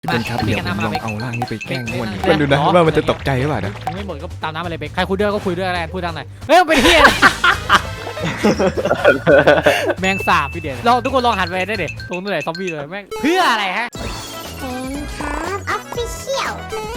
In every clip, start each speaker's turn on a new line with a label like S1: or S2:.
S1: เป็นครับเดี๋ยวผมลองเอาร่างนี้ไปแกล้งม่วนมันดูนะว่ามันจะตกใจหรือเปล่านะ
S2: ไม่หมดก็ตามน้ำอะไรเบกใครคุยด้วยก็คุยด้วยอะไรพูดทางไหนเฮ้ยมันเป็นเฮียแมงสาบพี่เด่นเราทุกคนลองหันไปได้เด็ดตรงนู้นไหนซอมบี้เลยแม่งเพื่ออะไรฮะ
S3: ครับออฟฟิเชียล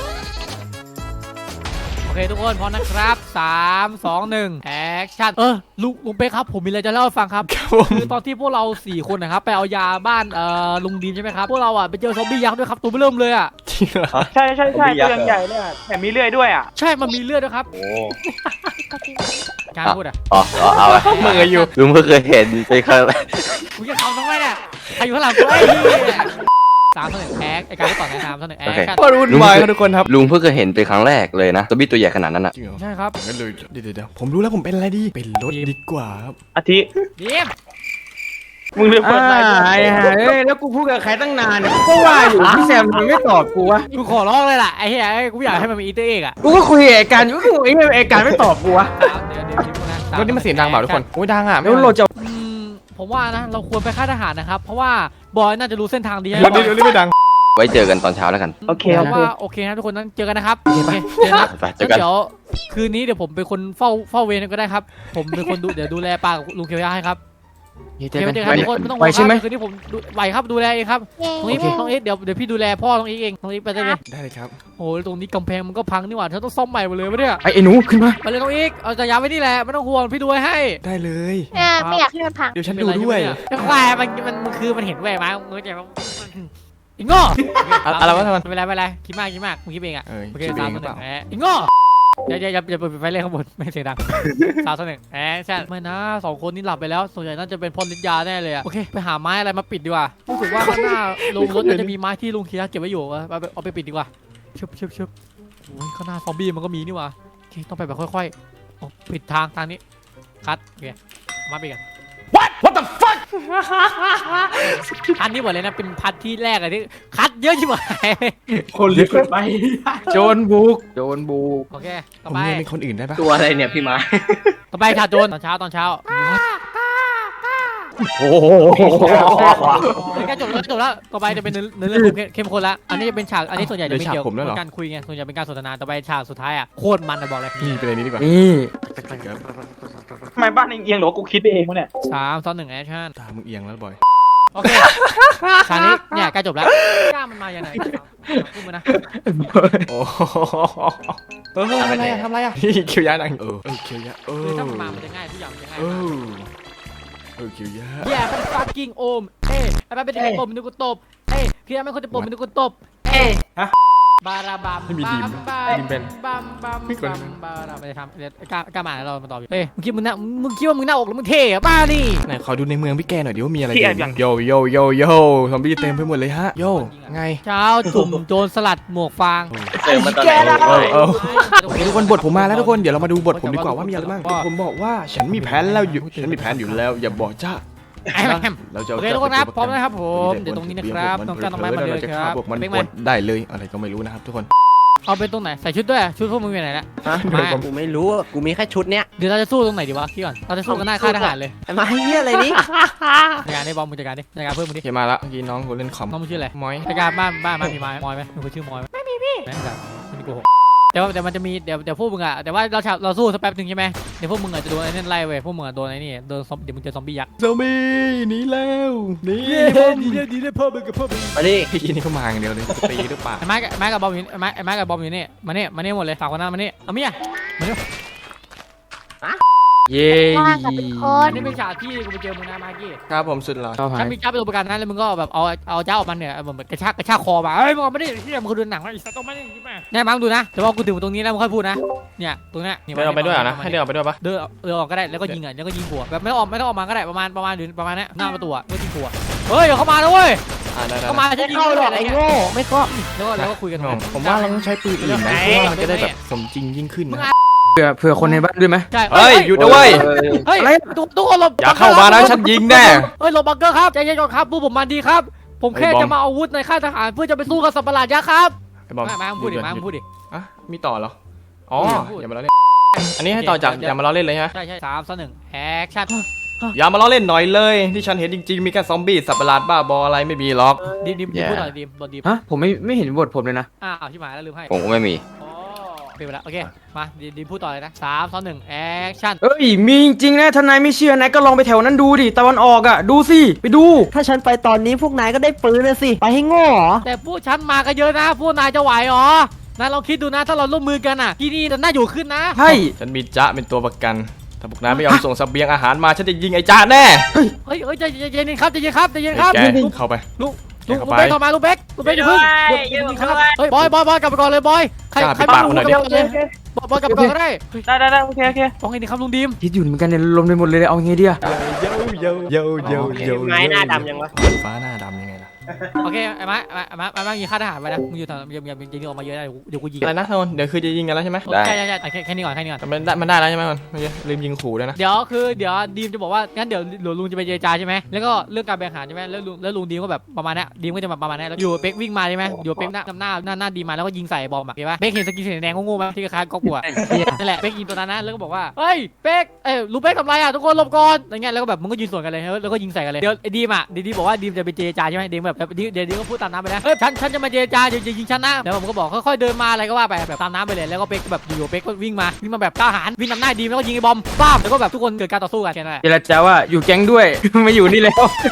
S2: โอเคทุกคนพร้อมนะครับ3 2 1แอคชั่นลุงเป๊กครับผมมีอะไรจะเล่าให้ฟังครับคือตอนที่พวกเรา4คนนะครับไปเอายาบ้านลุงดีนใช่ไหมครับพวกเราอ่ะไปเจอซอมบี้ยักษ์ด้วยครับตัวเริ่มเลยอ่ะ
S1: จริงเหรอ
S4: ใช่ตัวยังใหญ่เลยอ่ะแถมมีเลื่อยด้วยอ่ะ
S2: ใช่มันมีเลือดด้วยครับโอ้การพูดอ่ะ
S5: เอา
S1: พวกมึงอยู่
S5: ลุงเพิ่งเคยเห็นไปครั้งแรก
S2: มึงจะทำทำไมเนี่ยใครอยู่ข้างหลังกูไอ้3 2 1แอคไอ้การที่ต่อใน3 2 1แอคชั่น
S1: ก็รุ่นวายทุกคนครับ
S5: ลุงเพิ่งเคยเห็นเป็นครั้งแรกเลยนะตัวบี้ตัวใหญ่ขนาดนั้นอ่ะ
S2: ใช่ครับ
S1: งั้นเลยเดี๋ยวผมรู้แล้วผมเป็นอะไรดีเป็นรถดีกว่าครับ
S4: อาทิ
S2: เดี๋ยว
S4: มึงเลือกเปิดไลน์
S6: แล้วกูพูดกับใครตั้งนานเนี่ยก็ว่าอยู่พี่แซมยังไม่ตอบกูวะ
S2: กูขอร้องเลยล่ะไอ้เหี้ยกูอยากให้มันมีอีเตอร์เอ็กอ่ะ
S6: กูก็คุยกับไอ้การอยู่ก็ไอ้การไม่ตอบกูวะ
S1: รถนี่มันเสียงดังเปล่าทุกคนโอ้ยดังอ่ะ
S6: แล้วเราจะ
S2: ผมว่านะเราควรไปค่ายทหารนะครับเพราะว่าบอยน่าจะรู้เส้นทางดี
S1: เดี๋ยวนี้ไม่ดัง
S5: ไว้เจอกันตอนเช้าแล้วกัน
S4: โอเค
S2: ว่าโอเคนะทุกคนนั้นเจอกันนะครับโอเคเจอกันเดี๋ยวคืนนี้เดี๋ยวผมเป็นคนเฝ้าเวรก็ได้ครับผมเป็นคนเดี๋ยวดูแลป้ากับลุงเคียวยาให้ครับเจอกันทุกคนไม่ต้องห่วงครับคืนนี้ผมไหวครับดูแลเองครับตรงนี้น้องเอ็กเดี๋ยวพี่ดูแลพ่อน้องเอ็กเองน้องเอ็กไปได้เลย
S1: ได้เลยครับ
S2: โอ้ตรงนี้กำแพงมันก็พังนี่หว่าเธอต้องซ่อมใหม่หมดเลยวะเนี่ย
S6: ไอ้หนูขึ้นมา
S2: ไปเลยน้องเอ็กเอาจะย้ายไว้นี่แหละไม่ต้องห่วงพี่ดูให้
S1: ได้เลย
S3: ไม่อยากให้มันพัง
S1: เดี๋ยวฉันดูด้วย
S2: ควายมันคือมันเห็นแหวกมาเงยใจมันอีโง่
S1: อะไรวะทำไม
S2: ไม่เป็นไรคิดมากมึงคิดเองอ่ะโอเค3 2 1อีโง่อย่าไปเล่นข้างบนไม่เสียงดัง3 2 1ใช่ไม่นะ2คนนี้หลับไปแล้วส่วนใหญ่น่าจะเป็นพ่นลิ้นยาแน่เลยอ่ะโอเคไปหาไม้อะไรมาปิดดีกว่ารู้สึกว่าข้างหน้าลงรถจะมีไม้ที่ลุงเคียร์เก็บไว้อยู่เอาไปปิดดีกว่าชุบโอ้ยข้างหน้าซอมบี้มันก็มีนี่ว่ะโอเคต้องไปแบบค่อยๆปิดทางนี้คัดโอเคมาปิดกันWhat the fuck พันนี้หมดเลยนะเป็นพันที่แรกเลยที่คัดเยอะชิบหาย
S6: คนเลือกไปโจนบุก
S2: โอเคต่อ
S1: ไปเป็นคนอื่นได้ปะ
S6: ตัวอะไรเนี่ยพี่มา
S2: ต่อไปชาโจนตอนเช้า
S1: โอ้โห
S2: แค่จบแล้วต่อไปจะเป็นเนื้อเรื่องเข้มข้นละอันนี้จะเป็นฉากอันนี้ส่วนใหญ่จะเป็นเกี่ยวกับการคุยไงส่วนใหญ่เป็นการสนทนาต่อไปฉากสุดท้ายอ่ะโคตรมันนะบอกเลย
S1: นี่เป็นอะไรนี้ดีกว่า
S4: ทำไมบ้านเอียงหรอกูคิดไปเองวะเนี่ย
S2: 3 2 1แอคชั่น
S1: ตามึงเอียงแล้วบอย
S2: โอเคฉากนี้เนี่ยใกล้จบแล้วกล้ามันมาอย่างไรพูดมานะ
S1: โอ้ทำอะไรอ่ะเคียวยาดังเคียวยา
S2: ถ้ามันมามันจะง่ายทุกอย่างมันจะง่าย
S1: เคียวยา
S2: เป็นfuckingโอมไอ้บ้าเป็นเด็กโอมนึกกูตบพี่ไม่คนจะโอมนึกกูตบบาราบัม
S1: ไม่มีดิมเป็น
S2: บัมบาราไปทำกล้ามาเรามาตอบอยู่มึงคิดว่ามึงหน้าอกหรือมึงเท่อะบ้านี่
S1: ไหนขอดูในเมืองพี่แกหน่อยดิว่ามีอะไรโยซอมบี้เต็มไปหมดเลยฮะโยไง
S2: เช้าจุ่มโจรสลัดหมวกฟาง
S1: แกทุกคนบทผมมาแล้วทุกคนเดี๋ยวเรามาดูบทผมดีกว่าว่ามีอะไรบ้างผมบอกว่าฉันมีแผนแล้วอยู่แล้วอย่าบอกจ้า
S2: เราจะโอเคทุกคนครับพร้อมนะครับผมเดี๋ยวตรงนี้นะครับต้องการต้นไม้มาเลยครับ
S1: มันได้เลยอะไรก็ไม่รู้นะครับทุกคน
S2: เอาเป็นตรงไหนใส่ชุดด้วยชุดพวกมึงอยู่ไหนละ
S6: กูไม่รู้กูมีแค่ชุดเนี้ย
S2: เดี๋ยวเราจะสู้ตรงไหนดีวะพี่ก่อนเราจะสู้กันหน้าค่ายทหารเลย
S6: มาเฮียอะไรนี่
S2: จัดการได้บอมมึงจัดการดิจัดการเพิ่มมึงดิ
S1: เขียนมาละเมื่อกี้น้องกูเล่นคอม
S2: น้องมึงชื่ออะไร
S1: มอย
S2: จัดการบ้านมีมอยไหมมึงชื่อมอยไหมไม่มีพี่แม่งแบบมันโกหกแต่มันจะมีเดี๋ยวพวกมึงอะแต่ว่าเราสู้สักแป๊บนึงใช่ไหมเดี๋ยวพวกมึงอะจะโดนไอ้นั่นไล่เว้ยพวกมึงอะโดนไอ้นี่โดนเดี๋ยวมึงเจอซอมบี้ยักษ์
S1: ซอมบี้หนีแล้ว
S2: ดีได้เพิ่มมึงกับเพิ่มมึง
S1: มาดิพี่นี่เขามาอย่างเดียวเลยตีหรือเปล่า
S2: ไม้กับบอมอยู่ไม้กับบอมอยู่นี่มาเนี่ยหมดเลยฝากคนนั้นมาเนี่ยเอาเมียมาเนี่ย
S1: เย้
S2: นี่เป็นฉากที่กูไปเจอมึงนะมากี้
S1: ครับผมสุดหล่อ
S2: ถ้ามีจ้าเป็นตัวประกันนั้นแล้วมึงก็แบบเอาเจ้าออกมาเนี่ยเหมือนกระชากคอมาเฮ้ยมึงไม่ได้ที่มึงคือดูหนังว่าอีสัตว์ต้องไม่ได้ยิบมาเนี่ยมาดูนะแต่ว่ากูถึงตรงนี้แล้วมึงค่อยพูดนะเนี่ยตรงนี้
S1: เดินออกไปด้วยนะให้เดินออกไปด้วยปะ
S2: เดินออกก็ได้แล้วก็ยิงหัวแบบไม่ต้องออกมาก็ได้ประมาณนี้หน้าประตูก็ยิงหัวเฮ้ยเดี๋ยวเข้ามาแล้วเว้ยเข้ามาจะยิงเลย
S6: ไอ้โง่ไม่ก็
S2: แล้วก็คุยกัน
S1: ผมว่าเราต้องใช้ปืนอื่นนะเพราะว่ามันจะได้แบบสมจริงยิ่งขึ้นนะ
S6: เผื่อคนในบ้านด้วยไหม
S2: ใช่
S1: เฮ้ยหยุดด้วย
S2: เฮ้ยทุกคนหลบ
S1: อย่าเข้ามานะฉันยิงแน่
S2: เฮ้ยหลบบังเกอร์ครับใจเย็นก่อนครับผู้ผมมาดีครับผมแค่จะมาอาวุธในค่ายทหารเพื่อจะไปสู้กับสัตว์ประหลาดยักษ์ครับมาพูดดิ
S1: อ่ะมีต่อเหรออ๋ออย่ามาล้อเล่นอันนี้ให้ต่อจากอย่ามาล้อเล่นเลยฮะ
S2: ใช่3 2 1แอคชั่น
S1: อย่ามาล้อเล่นหน่อยเลยที่ฉันเห็นจริงๆมีแค่ซอมบี้สัตว์ประหลาดบ้าบออะไรไม่มีหรอก
S2: ดิมพูดหน่อยดิมบทดิม
S6: ฮะผมไม่เห็นบทผมเลยนะ
S2: อ้าวที่หมายแล้วลืมให้
S5: ผมก็ไม่มี
S2: อ๋อเปลี่ยนไปแล้วโอเคมาดิมพูดต่อเลยนะ3 2 1แอคชั่น
S6: เอ้ยมีจริงๆนะถ้านายไม่เชื่อนายก็ลองไปแถวนั้นดูดิตะวันออกอ่ะดูสิไปดู
S7: ถ้าฉันไปตอนนี้พวกนายก็ได้ปืนนะสิ ไปให้โง่เหรอ
S2: แต่พวกฉันมากันเยอะนะพวกนายจะไหวเหรอนายลองคิดดูนะถ้าเราร่วมมือกันอ่ะที่นี่จะน่าอยู่ขึ้นนะ
S6: ใช่
S1: ฉันมีจ๊ะเป็นตัวประกันถ้าพวกนายไม่ยอมส่งเสบียงอาหารมาฉันจะยิงไอ้จ๊ะแน่
S2: เฮ้ยใจเย็นครับใจเย็นครับใจเย็นครับ
S1: แกเข้าไป
S2: ลุง
S1: เข้าไป
S2: เบกเข้ามาลุงเบกอย่าเพิ่งเฮ้ยบอยกลับไปก่อนเลยบอยใคร
S1: จ้า
S2: ใคร
S1: ปิดปากมันหน่อยดิ
S2: บอยกลับไปก่อนก็ได้
S4: ได้โอเค
S2: ต้องไงดีครับลุงดิม
S6: คิดอยู่เหมือนกันเนี่ยลมไปหมดเลยเอาไงดีอะ
S1: เย
S7: ไม้หน้าดำยังวะ
S1: ฟ้าหน้าดำยังไงล่ะ
S2: โอเคไอ้ไม้ยิงค่าทหารไปนะมึงอยู่ทางอย่ายิงออกมาเยอะนะเดี๋ยวกูยิง
S1: อะไรนะทนเดี๋ยวคือจะยิงกันแล้วใช่ไหม
S5: ได้
S2: ใช่แค่นี้ก่อน
S1: แต่มันได้แล้วใช่ไหมมันไม่ใช่ลืมยิงขู่ด้วยนะ
S2: เดี๋ยวดีมจะบอกว่างั้นเดี๋ยวลุงจะไปเจรจาใช่ไหมแล้วก็เรื่องการแบ่งอาหารใช่ไหมแล้วลุงดีมก็แบบประมาณนี้ดีมก็จะแบบประมาณนี้แล้วอยู่เป๊กวิ่งมาใช่ไหมอยู่เป๊กหน้าดีมาแล้วก็ยิงใส่บอมอะเห็นปะเป๊กเห็นสกินสีแดงโง่ๆไหมที่คล้ายๆก๊อกบัวนั่นแหละเป๊กยิงตัวนั้นนะแล้วก็บอกว่าเฮ้ยเป๊กลุงเป๊กทำไรอ่ะทุกคนหลบก่อนอะไรเงี้ยแล้วก็แบบมึงก็ยิงสวนกันเลยแล้วก็ยิงใส่กันเลยเดี๋ยวดีมบอกว่าดีมจะไปเจรจาใช่ไหมดีมแบบเดี๋ยวดีมก็พูดตามน้ำไปนะฉันจะมาเจรจาจะยิงฉันนะแล้วผมก็บอกค่อยๆเดินมาอะไรก็ว่าไปแบบตามน้ำไปเลยแล้วก็เป๊กแบบอยู่เป๊กก็วิ่งมาแบบกล้าหาญวิ่งนำหน้าดีมแล้วก็ยิงไอ้บอมป้ามแล้วก็แบบทุกคนเกิดการต่อสู้กันแค่นั้นแหละ
S6: เจรจาว่าอยู่แก๊งด้วย มาอยู่นี่แล้ว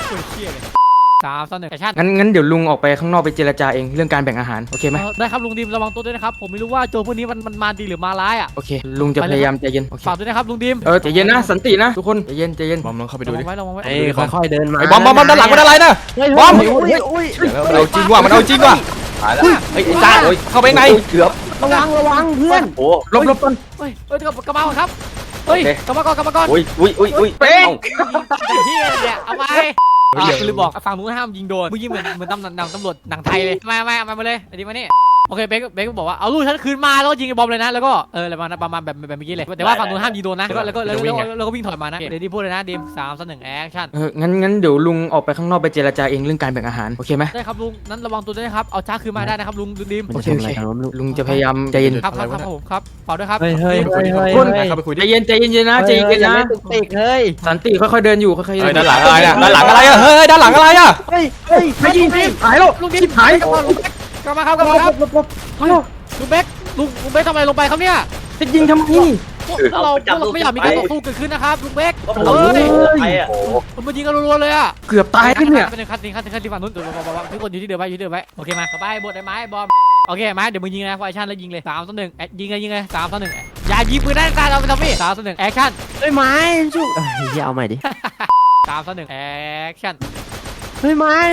S2: 3 2 1แอคชั่น
S6: งั้นเดี๋ยวลุงออกไปข้างนอกไปเจรจาเองเรื่องการแบ่งอาหารโอเคไหม
S2: ได้ครับลุงดิมระวังตัวด้วยนะครับผมไม่รู้ว่าโจรพวกนี้มันมาดีหรือมาร้ายอ่ะ
S6: โอเคลุงจะพยายามใจเย็นโอเค
S2: ฝากด้วยนะครับลุงดิม
S6: ใจเย็นนะสันตินะทุกคนใจเย็น
S1: บอมลองเข้าไป
S2: ระ
S1: ดู
S2: วั
S1: ดิ
S2: งไว้ระวังไว้
S7: เอ้ยค่อยๆเดินมา
S1: ไอ้บอมด้านหลังมันอะไรนะ บอม
S7: อุ้ย
S1: มันเอาจริงว่ะมันเอาจริงว่ะ
S5: หายแล้ว
S1: ไอ้จ๊ะเข้าไปไง
S5: เกือบ
S7: ระวังเพื่อน
S5: โอ้
S6: ลบก่อน
S2: เฮ้ยกระเป๋าครับเฮ้ยกระเป๋าก่อน
S5: อุ้ย
S6: เป๊ะ
S2: ไอ้ที่เนี่ยเอาไปคือลืมบอกฝั่งนู้นห้ามยิงโดนมึงยิงเหมือนตำรวจหนังไทยเลยมาเลยไอ้ดิมานี่โอเคเบคบอกว่าเอาลูกฉันคืนมาแล้วก็ยิงไอ้บอมเลยนะแล้วก็อะไรประมาณแบบเมื่อกี้เลยแต่ว่าฝั่งนู้นห้ามยิงโดนนะแล้วก็วิ่งถอยมานะเดี๋ยวดิพูดเลยนะดิม3 2 1แอคชั่น
S6: งั้นเดี๋ยวลุงออกไปข้างนอกไปเจรจาเองเรื่องการแบ่งอาหารโอเคไหม
S2: ได้ครับลุงนั้นระวังตัวด้วยนะครับเอาจ้าคืนมาได้นะครับลุงดิม
S6: โอเคลุงจะพยายามใจเย็น
S2: ครับผมครับฝากด้วยครับ
S7: เฮ้ย
S1: เข้าไปคุย
S6: ใจ
S1: ดิ
S6: เย็นนะใจเย็นนะ
S7: ติกเฮ้ย
S6: สันติค่อยๆเดินอยู่ค่อยๆ
S1: เฮ้ยด้านหลังอะไรอ่ะด้านหลังอะไรอ่ะเฮ้ยด้านหลังอะไรอ่ะ
S7: เฮ้ย
S6: ไม่ยิงหายแล้ว
S2: ลุงดิม
S6: หาย
S2: กลับมาครับลุงเบคทำอะไรลงไปครับเนี่ย
S6: จะยิงทำไม
S2: พวกเราไม่อยากมีการต่อสู้เกิดขึ้นนะครับลุงเบคเฮ้ยมันยิงกันรัวๆเลยอ่ะ
S6: เกือบตายแล้วเนี่ย
S2: เป็นคัดที่ฝั่งนู้นทุกคนอยู่ที่เดิมไว้โอเคมาต่อไปบทไอ้ไม้บอมโอเคไม้เดี๋ยวมึงยิงนะไฟชั่นแล้วยิงเลย3 2 1ยิงเลย3 2 1อย่ายิงปืนได้การเราไปทำพี่3 2 1แอคชั่น
S7: เฮ้ยไม้ชุบเอาใหม่ดิ
S2: 3 2 1แอคชั่น
S7: เฮ้ยไม้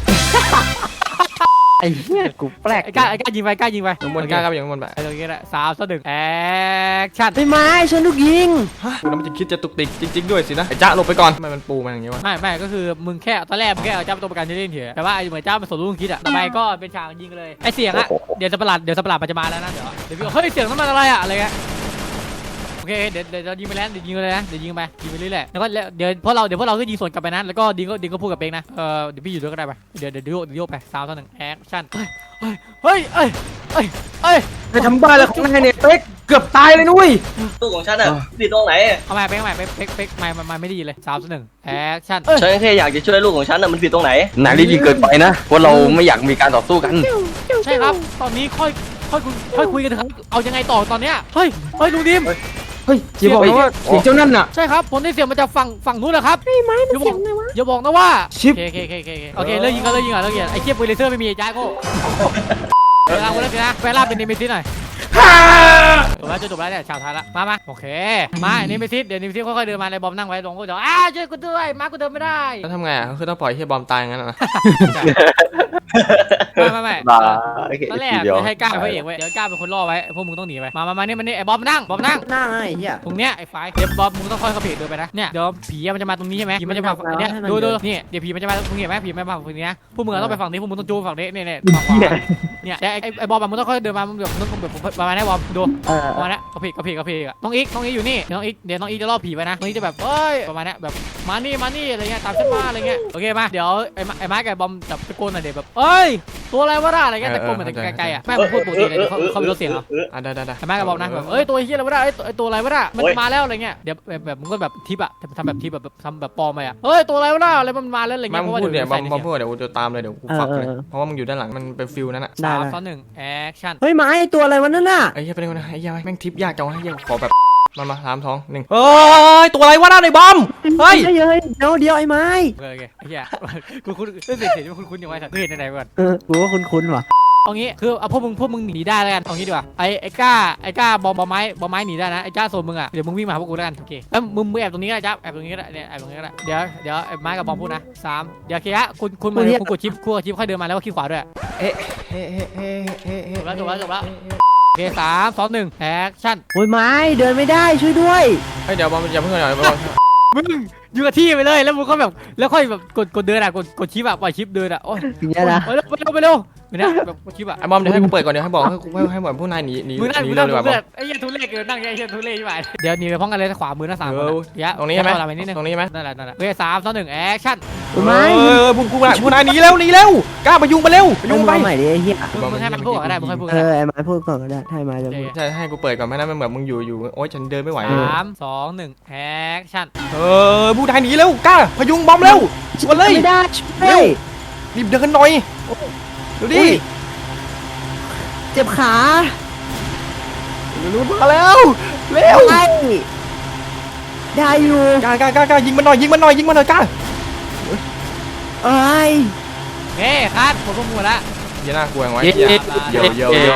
S7: ไอ้เหี้ยกูแปลก
S2: ไอ้กล้ายิงไป
S1: ข้างบนกล้าเข้าไปอย่างข้างบนไป
S2: โอเคแหละ3 2 1แอคชั่น
S7: เฮ้ยไม้ฉันลูกยิง
S1: คุณน้ำมันจะคิดจะตุกติกจริงๆด้วยสินะไอ้จ๊ะหลบไปก่อนทำไมมันปูมันอย่างงี้วะ
S2: ไม่ก็คือมึงแค่ตอนแรกมึงแค่เอาเจ้าเป็นตัวประกันเล่นเฉยแต่ว่าเหมือนเจ้าเป็นสมรู้ร่วมคิดอะต่อไปก็เป็นฉากยิงเลยไอเสียงอะเดี๋ยวสัตว์ประหลาดมันจะมาแล้วนะเดี๋ยวพี่บอกเฮ้ยเสียงนั้นมันอะไรอะอะไรเงี้ยโอเคเดี๋ยวยิงไปแล้วเดี๋ยวยิงไปเลยนะเดี๋ยวยิงไปเรื่อยๆแล้วก็เดี๋ยวพวกเราก็ยิงสวนกลับไปนะแล้วก็ดิงก็พูดกับเบงนะเดี๋ยวพี่อยู่ด้วยก็ได้ไปเดี๋ยวโยกไป3 2 1แอคชั่นเฮ้ย
S6: ไปทำบ้าอะไรของนายเนี่ยเป๊กเกือบตายเลยนุ้ย
S8: ลูกของฉันอ่ะผิดตรงไหน
S2: เอาใหม่เป๊กไม่ได้ยินเลย3 2 1แอคชั่น
S8: ฉันแค่อยากจะช่วยลูกของฉันอ่ะมันผิดตรงไหน
S5: นายรีบยิงเกินไปนะเพราะเราไม่อยากมีการต่อสู้กัน
S2: ใช่ครับตอนนี้ค่อยคุยกันครับเอายังไงต่อตอนเนี้ยเฮ้ยลุงดิม
S6: เฮ้ยอย่าบอกนะว่าเสียงเจ้านั่นน่ะ
S2: ใช่ครับผมได้เสียงมาจากฝั่งนู้นแหละครับอย่าบอกนะว่า
S6: ชิป
S2: โอเคเลิกยิงก่อนไอ้เคียบปืนเลเซอร์ไม่มีไอ้จ้าโก้เวลาวันนี้นะเวลาเป็นเนมิซิสหน่อยจบแล้วเนี่ยชาวไทยละมาโอเคมาเนมิซิสเดี๋ยวเนมิซิสค่อยๆเดินมาเลยบอมนั่งไว้ลงก็เดี๋ยวช่วยกูด้วยมากูเดินไม่ได้
S1: แล้วทำไงอ่ะคือต้องปล่อยให้บอมตายงั้นนะ
S2: ไม่ตอนแรกให้ก้าเป็นพระเอกไว้เดี๋ยวก้าเป็นคนล่อไว้พวกมึงต้องหนีไปมานี่ไอ้บอมนั่ง
S7: หน้าไอ้เหี้ย
S2: ตรงเนี้ยไอ้ไฟเดี๋ยวบอมมึงต้องค่อยๆเดินไปนะเนี่ยเดี๋ยวผีมันจะมาตรงนี้ใช่ไหมผีมันจะมาฝั่งนี้ดูนี่เดี๋ยวผีมันจะมาตรงนี้ไหมผีมันมาฝั่งนี้นะพวกมึงต้องไปฝั่งนี้พวกมึงต้องจูฝั่งนี้เนี่ยฝั่งขวาเนี่ยไอ้บอมมึงต้องค่อยเดินมามึงแบบต้องแบบประมาณนี้บอมดูประมาณนี้กระเพกน้องอีกอยู่นี่น้องอีกจะล่อผีไปนะน้องอีกจะแบบเอ้ยประมาณนี้แบบมานี่อะไรเงี้ยตามฉันมาอะไรเงี้ยโอเคมาเดี๋ยวไอ้ไม้กับไอ้บอมจับตะโกนหน่อยเดี๋ยวแบบเอ้ยตัวอะไรวะน่ะอะไรเงี้ยตะโกนเหมือนไกลๆอ่ะแม่งพูดปกติเลยเขาไม่รู้เสียงเหรอ
S1: ได้ได้
S2: แม่ก็บอกนะแบบตัวเฮียอะไรวะน่ะไอ้ตัวอะไรวะน่ะมันมาแล้วอะไรเงี้ยเดี๋ยวแบบมึงก็แบบทิปอ่ะทำแบบทิปแบบทำแบบปลอมไปอ่ะตัวอะไรวะน่ะอะไรมันมาแล้วอะไร
S1: มา
S2: เงี้ยเพราะว่า
S1: พูด
S2: เดี๋
S1: เนี่ย
S2: ยว
S1: มาพูดเดี๋ยวกูจะตามเลยเดี๋ยวกูฝักเลยเพราะว่ามึงอยู่ด้านหลังมันเป็นฟิลนั้นอ่ะ
S7: ได้
S2: 3-2-1แอคชั่น
S7: เฮ้ยไม้ตัวอะไรวะนั่นน่ะ
S1: ไอ้เหี้ยเป็นไงนะไอ้เหี้ยแม่งทิปยากจังวะไอ้เหี้ยขอแบบมา3 2 1เฮ้ยตัวอะไรวะน่ะในบอมเฮ้ย
S7: เฮ้ยเดี๋ยวไอ้ไม้
S2: โอเคไอ้เหี้ยคุณเสียงที่คุณยังไงสัตว์เห็นไหนก่อน
S7: กูว่าคุ้นๆว่ะ
S2: เอางี้คือเอาพวกมึงหนีได้แล้วกันเอางี้ดีกว่าไอ้ก้าบอมไม้หนีได้นะไอ้จ้าโซนมึงอ่ะเดี๋ยวมึงวิ่งมาหาพวกกูแล้วกันโอเคแล้วมึงแอบตรงนี้ก็ได้จ้าแอบตรงนี้ก็ได้เนี่ยแอบตรงนี้ก็ได้เดี๋ยวไอ้ไม้กับบอมพูดนะ3เดี๋ยวเคลียร์คุณกดชิปค่อยเดินมาแล้วก็คลิกขวาด้วย
S1: เฮ้
S2: จบแล้วโอเค3-2-1แอคชั่น
S7: โอ้ยไม้เดินไม่ได้ช่วยด้วย
S1: เฮ้ยเดี๋ยวบอมอย่าเพิ่งหน่อยบอม
S2: มึงอยู่กับที่ไปเลยแล้วมึงก็แบบแล้วค่อยแบบกดเดินอ่ะกดชิปอ่ะปล่อยชิปเดินอ่ะโอ้ย
S7: อย่างเงี้ยนะ
S2: ไปเร็วไม่ได้แบบกดชิปอ่ะ
S1: ไอ้บอมเดี๋ยวให้กูเปิดก่อนเดี๋ยวให้บอกให้บอกผู้นายหนี
S2: มึงนั่ง
S1: เร็วดีกว่าบอม
S2: ไอ้เหี้ยทุเรศเกินนั่งไอ้เหี้ยทุเรศใช่ไหมเดี๋ยวหนีไปพร้อมกันเลยขวามือนะ3 คนเดี๋ยว
S1: ตรงนี้ใช่ไหม
S2: ไปนิดนึง
S1: ตรงนี้ไหม
S2: นั่นแหละโอเค3-2-1แอคชั่น
S7: โอ้ยไม้
S1: ผู้นายหนีเร็วกล้าไปยุงไปเร็ว
S7: มึงมาใหม่ดิไอ้เหี้ย
S2: มึงให้มันพูดก็ได้มึงให้พูดก็ได้
S7: ไอ้ไม้พูดก่อนก็ได้ให้ไม้จะพูด
S1: ใช่ให้กูเปิดก่อนไม่นั้นมันเหมือนมึงอยู่โอ๊ยฉันเดินไม่ไหว
S2: 3-2-1แอคชั่น
S1: ผู้นายหนีเร็วกล้าพยุงบอมเร็วชวนเลย
S7: ไม่ได้ช่วย
S1: รีบเดินหน่อยเดี๋ยวดิ
S7: เจ็บขา
S1: รู้มาแล้วเร็ว
S7: ได้อยู่
S1: กล้ายิงมันหน่อยกล้า
S7: เอ้ย
S2: เฮ้คัดผมก็มัวละ
S1: อย่าน่ากลัวไว้
S2: เสร็จ
S1: เสร็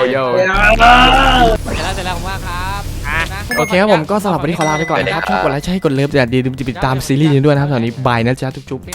S2: แล้วผมว่าครับนะ
S1: โอเคครับผมก็สำหรับวันนี้ขอลาไปก่อนนะครับชอบกดไลค์ใช่กดเลิฟอย่าลืมติดตามซีรีส์นี้ด้วยนะครับตอนนี้บายนะจ๊ะจุ๊บ